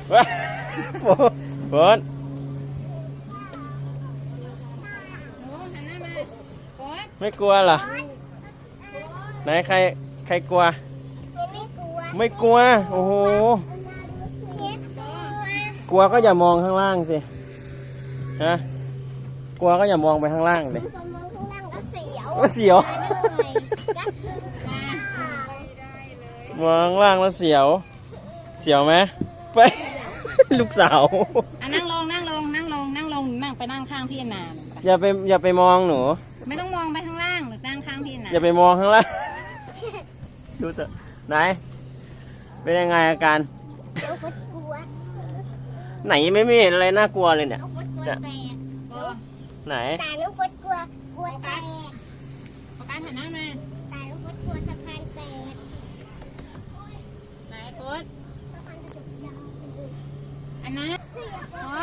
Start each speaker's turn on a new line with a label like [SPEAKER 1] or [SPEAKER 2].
[SPEAKER 1] ฝนไม่กลัวเหรอไหนใครกลัวไม่กลัวโอ้โหกลัวก็อย่ามองข้างล่างสิฮะกลัวก็อย่ามองไปข้างล่างเลยก็เสียวมองข้างล่างแล้วเสียวไหมไปลูกสาว
[SPEAKER 2] นั่งลงนั่งไปนั่งข้างพี่นาน
[SPEAKER 1] อย่าไปมองหนู
[SPEAKER 2] ไม่ต้องมองไปข้างล่างหรือนั่งข้างพี่นาน
[SPEAKER 1] อย่าไปมองข้างล่างดูสิไหนเป็นยังไงอาการไหนไม่มีอะไรน่ากลัวเลยเนี่ยไหน
[SPEAKER 3] ตาลูกฟดกลัวแตก
[SPEAKER 2] ประกันหันหน้ามา
[SPEAKER 3] ตาลูกฟดกลัวสะพานแตก
[SPEAKER 2] ไหนฟดอันนั้น